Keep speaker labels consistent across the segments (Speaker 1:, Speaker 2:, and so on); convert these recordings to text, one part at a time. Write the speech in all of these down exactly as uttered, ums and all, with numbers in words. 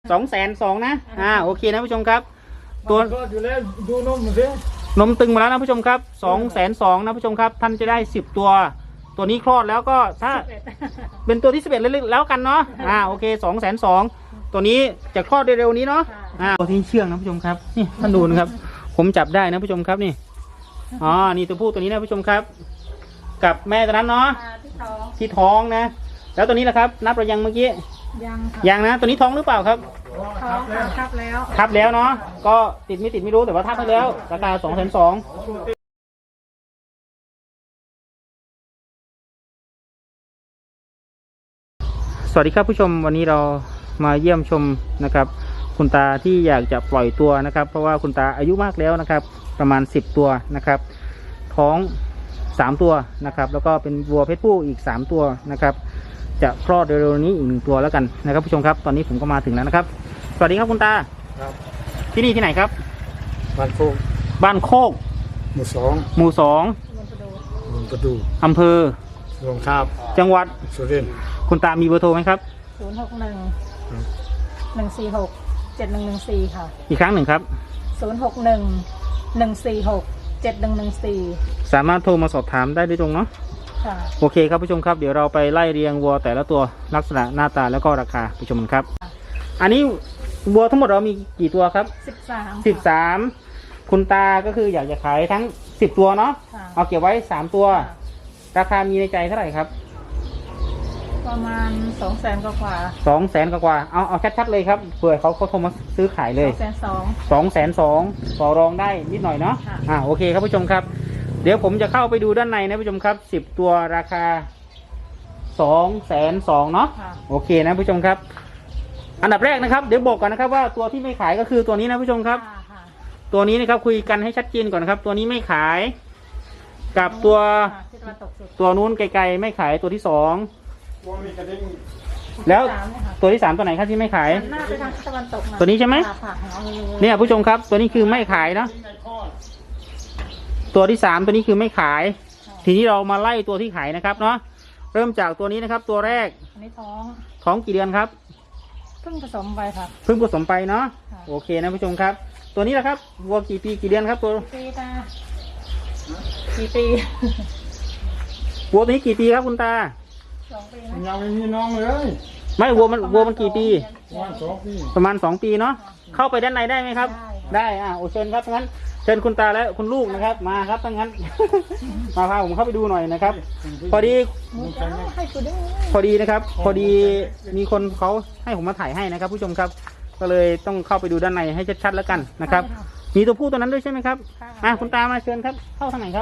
Speaker 1: สองแสนสองนะอ่าโอเคนะผู้ชมครับตัวอยู่แล้วดูนมสินมตึงมาแล้วนะผู้ชมครับสองแสนสองนะผู้ชมครับท่านจะได้สิบตัวตัวนี้คลอดแล้วก็ถ้าเป็นตัวที่สิบเอ็ดแล้วกันเนาะอ่าโอเคสองแสนสองตัวนี้จะคลอดเร็วๆนี้เนาะอ่าตัวที่เชื่องนะผู้ชมครับนี่ท่านดูนะครับผมจับได้นะผู้ชมครับนี่อ๋อนี่ตัวผู้ตัวนี้นะผู้ชมครับกับแม่ตัวนั้นเนาะที่ท้องนะแล้วตัวนี้แหละครับนับเรายังเมื่อกี้
Speaker 2: ยัง
Speaker 1: ยังนะตัวนี้ท้องหรือเปล่าครับ
Speaker 2: ท้องค่ะทับแล้ว
Speaker 1: ทับแล้วเนาะก็ติดไม่ติดไม่รู้แต่ว่าทับไปแล้วราคาสองแสนสองสวัสดีครับผู้ชมวันนี้เรามาเยี่ยมชมนะครับคุณตาที่อยากจะปล่อยตัวนะครับเพราะว่าคุณตาอายุมากแล้วนะครับประมาณสิบตัวนะครับท้องสามตัวนะครับแล้วก็เป็นวัวเพศผู้อีกสามตัวนะครับจะคลอดเร็วๆนี้อีกหนึ่งตัวแล้วกันนะครับผู้ชมครับตอนนี้ผมก็มาถึงแล้วนะครับสวัสดีครับคุณตาครับที่นี่ที่ไหนครับ
Speaker 3: บ้านโคก
Speaker 1: บ้านโคก
Speaker 3: หมู่สอง
Speaker 1: หมู่สอง
Speaker 3: เมืองประดู
Speaker 1: อำเภอ
Speaker 3: หลวงคาบ
Speaker 1: จังหวัด
Speaker 3: สุรินทร์
Speaker 1: คุณตามีเบอร์โทรไหมครับ
Speaker 2: ศูนย์หกหนึ่งหนึ่งสี่หกเจ็ดหนึ่งหนึ่งสี่ค่ะ
Speaker 1: อีกครั้งหนึ่งครับ
Speaker 2: ศูนย์หกหนึ่งหนึ่งสี่หกเจ็ดหนึ่งหนึ่งสี่
Speaker 1: สามารถโทรมาสอบถามได้ด้วยตรงเนาะโอเคครับผู้ชมครับเดี๋ยวเราไปไล่เรียงวัวแต่ละตัวลักษณะหน้าตาแล้วก็ราคาผู้ชมกันครับอันนี้วัวทั้งหมดเรามีกี่ตัวครับ
Speaker 2: สิบสาม
Speaker 1: สิบสามคุณตาก็คืออยากจะขายทั้งสิบตัวเนาะเอาเก็บไว้สามตัวราคามีในใจเท่าไหร่ครับ
Speaker 2: ประมาณสองแสนกว่า
Speaker 1: สองแสนกว่าเอาเอาชัดๆเลยครับเผื่อเขาเขาโทรมาซื้อขายเลย
Speaker 2: สองแสนสอง
Speaker 1: สองแสนสองต่อรองได้นิดหน่อยเนาะอ่าโอเคครับผู้ชมครับเดี๋ยวผมจะเข้าไปดูด้านในนะผู้ชมครับสิบตัวราคาสองแสนสองเนาะโอเคนะผู้ชมครับอันดับแรกนะครับเดี๋ยวบอกก่อนนะครับว่าตัวที่ไม่ขายก็คือตัวนี้นะผู้ชมครับตัวนี้นะครับคุยกันให้ชัดเจนก่อนนะครับตัวนี้ไม่ขายกับตัวตัวนู้นไกลๆไม่ขายตัวที่สองแล้วตัวที่สามตัวไหนครับที่ไม่ขายตัวนี้ใช่ไหมเนี่ยผู้ชมครับตัวนี้คือไม่ขายเนาะตัวที่สามตัวนี้คือไม่ขายทีนี้เรามาไล่ตัวที่ขายนะครับเนาะเริ่มจากตัวนี้นะครับตัวแรก
Speaker 2: อันนี้ท้อง
Speaker 1: ท้องกี่เดือนครับ
Speaker 2: เพิ่งผสมไปครับ
Speaker 1: เพิ่งผสมไปเนาะโอเคนะผู้ชมครับตัวนี้แหละครับวัวกี่ปีกี่เดือนครับตัว
Speaker 2: ปีตากี่ปี
Speaker 1: วัวตัวนี้กี่ปีครับคุณตา
Speaker 2: สองปี
Speaker 3: ยังไม่มีน้องเลย
Speaker 1: ไม่วัวมันวัวมันกี่ปี
Speaker 3: ประมาณสองปี
Speaker 1: ประมาณสองปีเนาะเข้าไปด้านในได้ไหมครับได้อ่าโอเชิญครับงั้นเชิญคุณตาและคุณลูกนะครับมาครับทั้งนั้นมาพาผมเข้าไปดูหน่อยนะครับพอดีพอดีนะครับพอดีมีคนเขาให้ผมมาถ่ายให้นะครับผู้ชมครับก็เลยต้องเข้าไปดูด้านในให้ชัดๆแล้วกันนะครับมีตัวผู้ตัวนั้นด้วยใช่ไหมครับอ่าคุณตามาเชิญครับเข้าทางไหนครับ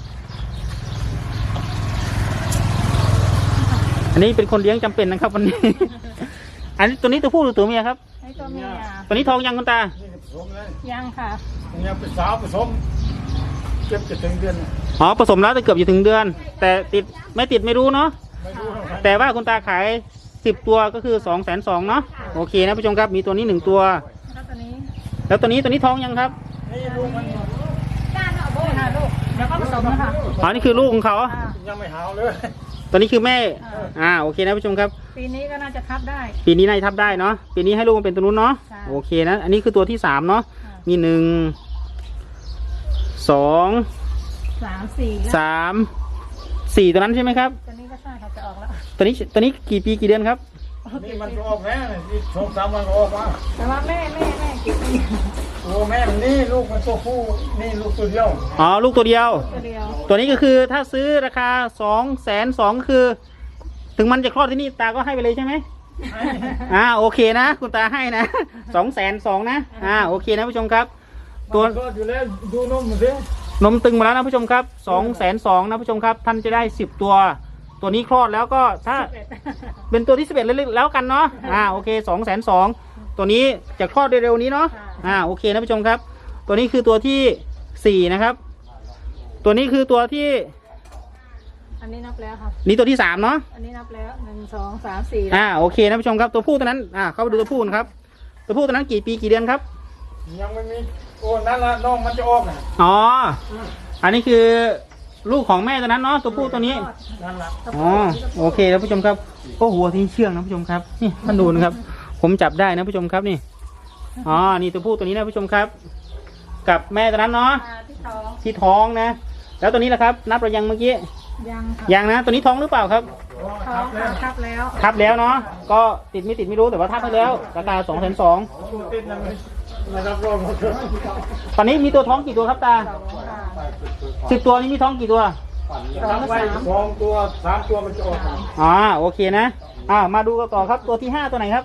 Speaker 1: อันนี้เป็นคนเลี้ยงจำเป็นนะครับวันนี้อันนี้ตัวนี้ตัวผู้หรือตัวเมียครับ
Speaker 2: ตัวเมีย
Speaker 1: ตัวนี้ท้องยังคุณตา
Speaker 2: ยังค่ะ
Speaker 3: ยังเป็นสาวผสมเก็บจะถึงเดือน
Speaker 1: อ๋อผสมแล้วแต่เกือบจะถึงเดือนแต่ติดไม่ติดไม่รู้เนาะแต่ว่าคุณตาขายสิบตัวก็คือสองแสนสองเนาะโอเคนะผู้ชมครับมีตัวนี้หนึ่งตัวแล้วตัวนี้ตัวนี้ท้องยังครับ
Speaker 2: แล้วก็ผสมนะคะ
Speaker 1: อ๋อนี่คือลูกของเขา
Speaker 3: ยังไม่หาวเลย
Speaker 1: ตัวนี้คือแม่อ่าโอเคนะผู้ชมครับ
Speaker 2: ปีนี้ก็น่าจะทับได้
Speaker 1: ปีนี้น่าจะทับได้เนาะปีนี้ให้ลูกมันเป็นตัวนู้นเนาะโอเคนะอันนี้คือตัวที่สามเนาะมีหนึ่งสอง
Speaker 2: สามสี่
Speaker 1: สามสี่ตัวนั้นใช่ไหมครับ
Speaker 2: ตัวนี้ก็ใช่ครับจะออกแล้ว
Speaker 1: ตัวนี้ตัวนี้กี่ปีกี่เดือนครับ
Speaker 3: นี่มันก็ออกแม่ที่สองสามวันก็ออกมา
Speaker 2: แต่ว่าแม่แม่แม่กี่ปี
Speaker 3: โอ้แม่มันนี่ลูกมันตัวผู้นี่ลูกตัวเดียว
Speaker 1: อ๋อลูกตัวเดียวตัวนี้ก็คือถ้าซื้อราคาสองแสนสองคือถึงมันจะคลอดที่นี่ตาก็ให้ไปเลยใช่ไหมอ่าโอเคนะคุณตาให้นะสองแสนสองนะอ่าโอเคนะผู้ชมครับ
Speaker 3: ตัวอยู่แล้วดูนมสิ
Speaker 1: นมตึงมาแล้วนะผู้ชมครับสองแสนสองนะผู้ชมครับท่านจะได้สิบตัวตัวนี้คลอดแล้วก็ถ้าเป็นตัวที่สิบเอ็ดแล้วกันเนาะอ่าโอเคสองแสนสองตัวนี้จะคลอดเร็วๆนี้เนาะอ่าโอเคนะผู้ชมครับตัวนี้คือตัวที่สี่นะครับตัวนี้คือตัวที่
Speaker 2: อันนี้นับแล้วครับ
Speaker 1: นี่ตัวที่สามเนาะ
Speaker 2: อันนี้นับแล้วหนึ่งสองสามสี่
Speaker 1: อ่าโอเคนะผู้ชมครับตัวผู้ตัวนั้นอ่าเข้าไปดูตัวผู้นะครับตัวผู้ตัวนั้นกี่ปีกี่เดือนครับ
Speaker 3: ยังไม่มีโอ้นั่นละน้องมันจะออกนะ
Speaker 1: อ๋ออันนี้คือลูกของแม่ตัวนั้นเนาะตัวผู้ตัวนี้อ๋อโอเคแล้วผู้ชมครับโอ้หัวที่เชื่องนะผู้ชมครับนี่ท่านดูนะครับผมจับได้นะผู้ชมครับนี่อ๋อนี่ตัวผู้ตัวนี้นะผู้ชมครับ กับแม่ตัวนั้นเนาะ
Speaker 2: อ่าที่ท้อง
Speaker 1: ที่ท้องนะ แล้วตัวนี้ล่ะครับ นับเรายังเมื่อกี้
Speaker 2: ยังค่ะ
Speaker 1: ยังนะ ตัวนี้ท้องหรือเปล่าครับ
Speaker 2: ท้องค่ะทับแล้ว
Speaker 1: ทับแล้วเนาะก็ติดไม่ติดไม่รู้แต่ว่าทับไปแล้วราคาสองแสนสอง
Speaker 3: ติดนะนะครับรอบหมดเลย
Speaker 1: ตอนนี้มีตัวท้องกี่ตัวครับตา
Speaker 2: สองค่ะ
Speaker 1: สิบตัวนี้มีท้องกี่ตัว
Speaker 2: สอง
Speaker 3: ไว้
Speaker 2: สาม
Speaker 3: สองตัวสามตัวมันจะออกมา
Speaker 1: อ๋อโอเคนะอ่ามาดูกันต่อครับตัวที่ห้าตัวไหนครับ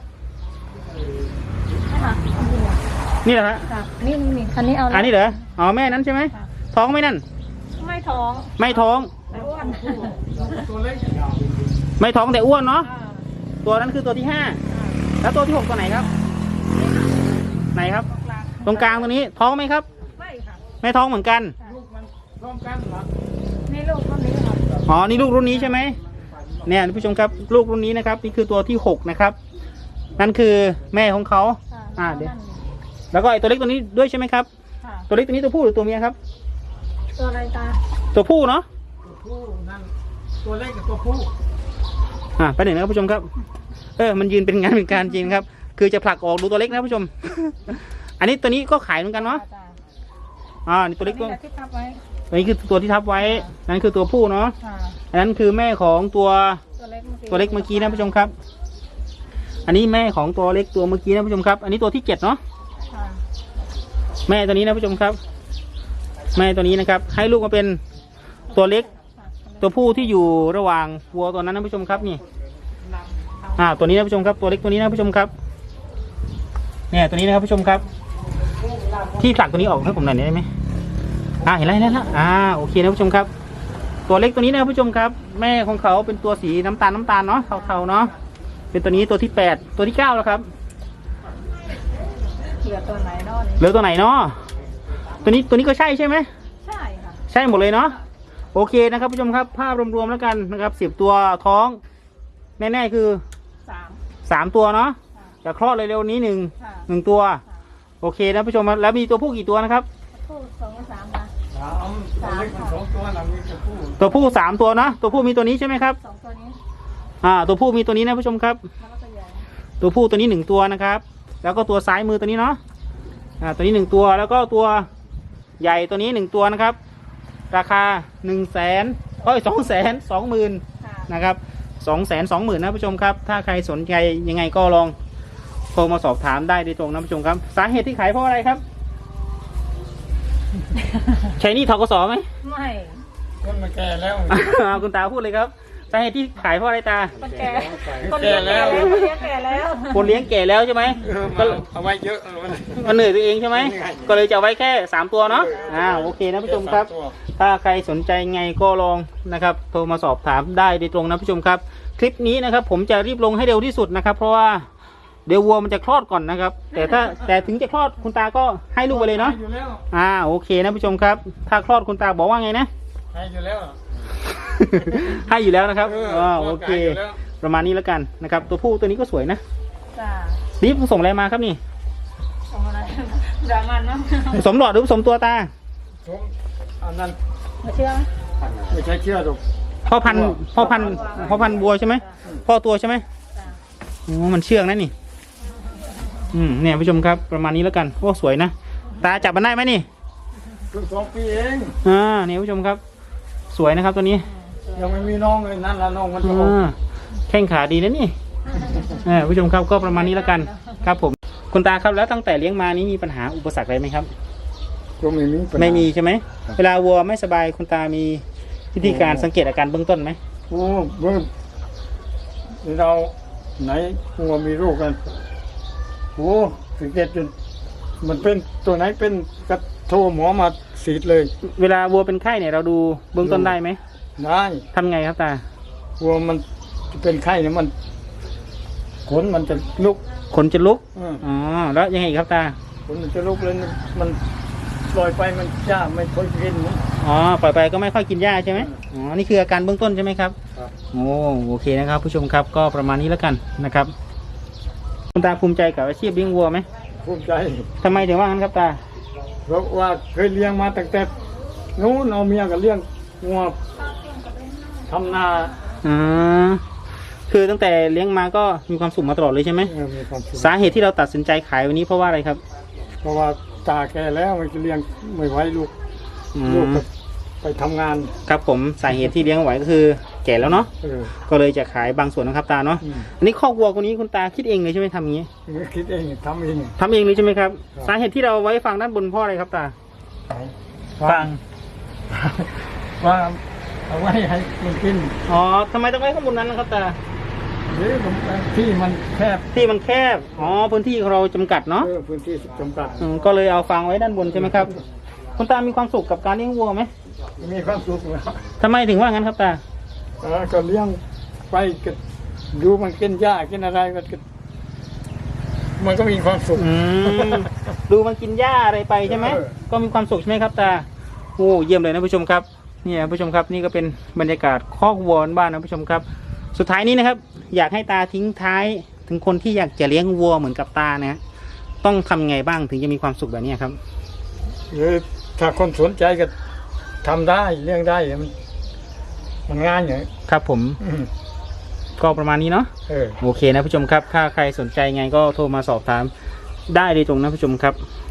Speaker 2: ค่ะ
Speaker 1: นี่เหรอฮะ
Speaker 2: ค่ะนี่นี่อันนี้เอา
Speaker 1: อันนี้เหรออ๋อแม่นั้นใช่ไหม
Speaker 2: ค่ะ
Speaker 1: ท้องไหม่นั่น
Speaker 2: ไม่ท้อง
Speaker 1: ไม่ท้อง
Speaker 2: แต่อ้วน
Speaker 3: ตัวเล็ก
Speaker 1: ไม่ท้องแต่อ้วนเนาะ
Speaker 2: อ่า
Speaker 1: ตัวนั้นคือตัวที่ห้าแล้วตัวที่หกตัวไหนครับ ไหนครับ
Speaker 2: กลาง
Speaker 1: ตรงกลางตัวนี้ท้องไหมครับ
Speaker 2: ไม่ค่ะ
Speaker 1: ไม่ท้องเหมือนกัน
Speaker 3: ลูกมันพร้อมกันเหรอ
Speaker 2: นี่ลูกคนนี้ค่ะ
Speaker 1: อ๋อนี่ลูกรุ่นนี้ใช่ไหมเนี่ยท่านผู้ชมครับลูกรุ่นนี้นะครับนี่คือตัวที่หกนะครับนั่นคือแม่ของเขา
Speaker 2: ค่ะ
Speaker 1: อ่าเดี๋ยว แล้วก็ไอตัวเล็กตัวนี้ด้วยใช่ไหมครับ
Speaker 2: ค่ะ
Speaker 1: ตัวเล็กตัวนี้ตัวผู้หรือตัวเมียครับ
Speaker 2: ตัวอะไรตา
Speaker 1: ตัวผู้เนาะ
Speaker 3: ตัวผู้นั่นตัวเล็กกับตัวผู้
Speaker 1: อ่าไปหนึ่งนะครับผู้ชมครับ เออมันยืนเป็นงานเป็นการจริงครับ คือจะผลักออกดูตัวเล็กนะผู้ชม อันนี้ตัวนี้ก็ขายเหมือนกันเนาะ
Speaker 2: จ้
Speaker 1: อ่านี่ตัวเล็กก็
Speaker 2: นี่แหละที่ทับไว้
Speaker 1: อันนี้คือตัวที่ทับไว้นั่นคือตัวผู้เนาะ
Speaker 2: ค่ะ
Speaker 1: อันนั้นคือแม่ของตัว
Speaker 2: ตัวเล็กเมื่อกี้
Speaker 1: ตัวเล็กเมื่อกี้นะผู้ชมครับ อันนี้แม่ของตัวเล็กตัวเมื่อกี้นะผู้ชมครับ อันนี้ตัวที่เจ็ดเนาะ
Speaker 2: ค่ะ
Speaker 1: แม่ตัวนี้นะผู้ชมครับ แม่ตัวนี้นะครับ ให้ลูกมาเป็นตัวเล็ก
Speaker 2: ค่ะ
Speaker 1: ตัวผู้ที่อยู่ระหว่างวัวตัวนั้นนะผู้ชมครับนี่ อ่า ตัวนี้นะผู้ชมครับ ตัวเล็กตัวนี้นะผู้ชมครับ เนี่ยตัวนี้นะครับผู้ชมครับ ที่ผลักตัวนี้ออกให้ผมหน่อยได้ไหมอ่าเห็นแล้วเห็นแล้วอ่าโอเคนะผู้ชมครับ ตัวเล็กตัวนี้นะผู้ชมครับ แม่ของเขาเป็นตัวสีน้ำตาลน้ำตาลเนาะเทาๆเนาะเป็นตัวนี้ตัวที่แปดตัวที่เก้าแล้วครับ
Speaker 2: เหลือตัวไหนนอน
Speaker 1: เหลือตัวไหนเนาะตัวนี้ตัวนี้ก็ใช่ใช่ไหม
Speaker 2: ใช่ค่ะ
Speaker 1: ใช่หมดเลยเนาะโอเคนะครับผู้ชมครับภาพรวมๆแล้วกันนะครับสิบตัวท้องแน่ๆคือ
Speaker 2: สาม
Speaker 1: สามตัวเนาะ
Speaker 2: ค่ะ
Speaker 1: จะคลอดเร็วๆนี้หนึ่ง
Speaker 2: ค่ะ
Speaker 1: หนึ่งตัว
Speaker 2: ค่ะ
Speaker 1: โอเคนะผู้ชมครับแล้วมีตัวผู้กี่ตัวนะครับ
Speaker 2: คู่สองกับสามค่ะ
Speaker 3: สามตัวเล็กมันสองตัวนะมีตัวผู้
Speaker 1: ตัวผู้สามตัวเนาะตัวผู้มีตัวนี้ใช่ไหมครับ
Speaker 2: สองตัวนี้
Speaker 1: อ่าตัวผู้มีตัวนี้นะผู้ชมครับ
Speaker 2: แล้วก็ตัวใหญ่
Speaker 1: ตัวผู้ตัวนี้หนึ่งตัวนะครับ แล้วก็ตัวซ้ายมือตัวนี้เนาะอ่าตัวนี้หนึ่งตัวแล้วก็ตัวใหญ่ตัวนี้หนึ่งตัวนะครับ ราคาหนึ่งแสนเอ้ยสองแสนสองหมื่น
Speaker 2: ค่ะ
Speaker 1: นะครับสองแสนสองหมื่นนะผู้ชมครับ ถ้าใครสนใจยังไงก็ลองโทรมาสอบถามได้โดยตรงนะผู้ชมครับ สาเหตุที่ขายเพราะอะไรครับ ใช้หนี่ทกสไหม
Speaker 2: ไม่
Speaker 3: คนมันแก่แล้ว
Speaker 1: เอาคุณตาพูดเลยครับสาเหตุที่ขายเพราะอะไรตา
Speaker 2: คนแก่คนเลี้ยงแก่แล้วคนเลี้ยงแก่แล้ว
Speaker 1: คนเลี้ยงแก่แล้วใช่ไหม
Speaker 3: เออ
Speaker 1: ก็
Speaker 3: มาเอาไว้เยอะเลย
Speaker 1: มันเหนื่อยตัวเองใช่ไหม
Speaker 3: เหนื่อย
Speaker 1: ก็เลยจะเอาไว้แค่สามตัวเนาะอ่าโอเคนะผู้ชมครับ ถ้าใครสนใจไงก็ลองนะครับ โทรมาสอบถามได้โดยตรงนะผู้ชมครับ คลิปนี้นะครับ ผมจะรีบลงให้เร็วที่สุดนะครับ เพราะว่าเดี๋ยววัวมันจะคลอดก่อนนะครับ แต่ถ้าแต่ถึงจะคลอดคุณตาก็ให้ลูกไปเลยเนาะ
Speaker 3: ให้อยู่แล้ว
Speaker 1: อ่าโอเคนะผู้ชมครับ ถ้าคลอดคุณตาบอกว่าไงนะ
Speaker 3: ให้อยู่แล้ว
Speaker 1: ให้อยู่แล้วนะครับ
Speaker 3: เออ
Speaker 1: อ่าโอเค
Speaker 3: ให้อยู่แล้ว
Speaker 1: ประมาณนี้แล้วกันนะครับ ตัวผู้ตัวนี้ก็สวยนะ
Speaker 2: จ้า
Speaker 1: นี่ผสมอะไรมาครับนี่
Speaker 2: ส่งอะไรดรามันมั้ง
Speaker 1: ผสมหลอดหรือผสมตัวตา
Speaker 3: ผมอันนั้น
Speaker 2: มาเชื่อไหม
Speaker 3: ไม่ใช่เชื่อหรอก
Speaker 1: พ่อพันธุ์พ่อพันธุ์พ่อพันธุ์บัวใช่ไหมพ่อตัวใช่ไหม
Speaker 2: จ้า
Speaker 1: โอ้มันเชื่องนะนี่ อืมเนี่ยผู้ชมครับประมาณนี้แล้วกันโอ้สวยนะตาจับมันได้ไหมนี่
Speaker 3: เพิ่งสองปีเอง
Speaker 1: อ่าเนี่ยผู้ชมครับ สวยนะครับตัวนี้
Speaker 3: ยังไม่มีน้องเลยนั่นละน้องมันจะออก
Speaker 1: อ่าแข้งขาดีนะนี่เออผู้ชมครับก็ประมาณนี้แล้วกัน ครับผมคุณตาครับแล้วตั้งแต่เลี้ยงมานี้มีปัญหาอุปสรรคอะไรไหมครับ
Speaker 3: ก็ไม่มีปัญหา
Speaker 1: ไม่มีใช่ไหมเวลาวัวไม่สบายคุณตามีวิธีการสังเกตอาการเบื้องต้นไหม
Speaker 3: โอ้เมื่อเราไหนงัวมีโรคกันโอ้สังเกตจนมันเป็นตัวไหนเป็นกระโทรหมอมาสีดเลย
Speaker 1: เวลาวัวเป็นไข้เนี่ยเราดูเบื้องต้นได้ไหม
Speaker 3: ได้
Speaker 1: ทำไงครับตา
Speaker 3: วัวมันเป็นไข้เนี่ยมันขนมันจะลุก
Speaker 1: ขนจะลุก
Speaker 3: เออ
Speaker 1: อ๋อแล้วยังไงอีกครับตา
Speaker 3: ขนมันจะลุกเลยมันปล่อยไปมันจ้าไม่ค่อยกินนะ
Speaker 1: อ๋อปล่อยไปก็ไม่ค่อยกินหญ้าใช่ไหมอ๋อนี่คืออาการเบื้องต้นใช่ไหมครับ
Speaker 3: ครับ
Speaker 1: โอ้โอเคนะครับ ผู้ชมครับก็ประมาณนี้แล้วกันนะครับคุณตาภูมิใจกับอาชีพเลี้ยงวัวไหม
Speaker 3: ภูมิใจ
Speaker 1: ทำไมถึงว่างั้นครับตา
Speaker 3: เพราะว่าเคยเลี้ยงมาตั้งแต่นู้นเอาเมียกับเลี้ยงงัวทำนา
Speaker 1: อ่าคือตั้งแต่เลี้ยงมาก็มีความสุขมาตลอดเลยใช่ไหม
Speaker 3: เออมีความสุข
Speaker 1: สาเหตุที่เราตัดสินใจขายวันนี้เพราะว่าอะไรครับ
Speaker 3: เพราะว่าตาแก่แล้วมันจะเลี้ยงไม่ไหวลูก
Speaker 1: อื
Speaker 3: ลูก
Speaker 1: ม
Speaker 3: ก็ไปทำงาน
Speaker 1: ครับผมสาเหตุที่เลี้ยงไหวก็คือแก่แล้วเนาะ
Speaker 3: เออ
Speaker 1: ก็เลยจะขายบางส่วนนะครับตาเนาะ
Speaker 3: อืม
Speaker 1: อันนี้คอกวัวคนนี้คุณตาคิดเองเลยใช่ไหมทำอย่างนี้
Speaker 3: คิดเองทำเอง
Speaker 1: ทำเองเลยใช่ไหมครับ
Speaker 3: ครับ
Speaker 1: สาเหตุที่เราไว้ฟังด้านบนเพ่ออะไรครับตา
Speaker 3: ฟังว่าเอาไว้ให้มันกิน
Speaker 1: อ๋อทำไมต้องไว้ข้างบนนั้นนะครับตา
Speaker 3: หรือที่มันแคบ
Speaker 1: ที่มันแคบอ๋อพื้นที่ของเราจำกัดเนาะ
Speaker 3: เออพื้นที่จำกัด
Speaker 1: อืมก็เลยเอาฟางไว้ด้านบนใช่ไหมครับคุณตามีความสุขกับการเลี้ยงวัวไหม
Speaker 3: มีความสุขแล้ว
Speaker 1: ทำไมถึงว่างั้นครับตา
Speaker 3: เออก็เลี้ยงไปก็ดูมันกินหญ้ากินอะไรมันก็มันก็มีความสุข
Speaker 1: อืมดูมันกินหญ้าอะไรไปใช่ไหม
Speaker 3: เออ
Speaker 1: ก็มีความสุขใช่ไหมครับตาโอ้เยี่ยมเลยนะผู้ชมครับเนี่ยผู้ชมครับนี่ก็เป็นบรรยากาศคอกวัวบ้านนะผู้ชมครับ สุดท้ายนี้นะครับ อยากให้ตาทิ้งท้ายถึงคนที่อยากจะเลี้ยงวัวเหมือนกับตานะต้องทำไงบ้างถึงจะมีความสุขแบบนี้ครับ
Speaker 3: หรือถ้าคนสนใจก็ทำได้เลี้ยงได้มันมันง่ายอย่างนี้
Speaker 1: ครับผม
Speaker 3: อืม
Speaker 1: ก็ประมาณนี้เนาะ
Speaker 3: เออ
Speaker 1: โอเคนะผู้ชมครับถ้าใครสนใจไงก็โทรมาสอบถามได้เลยตรงนะผู้ชมครับ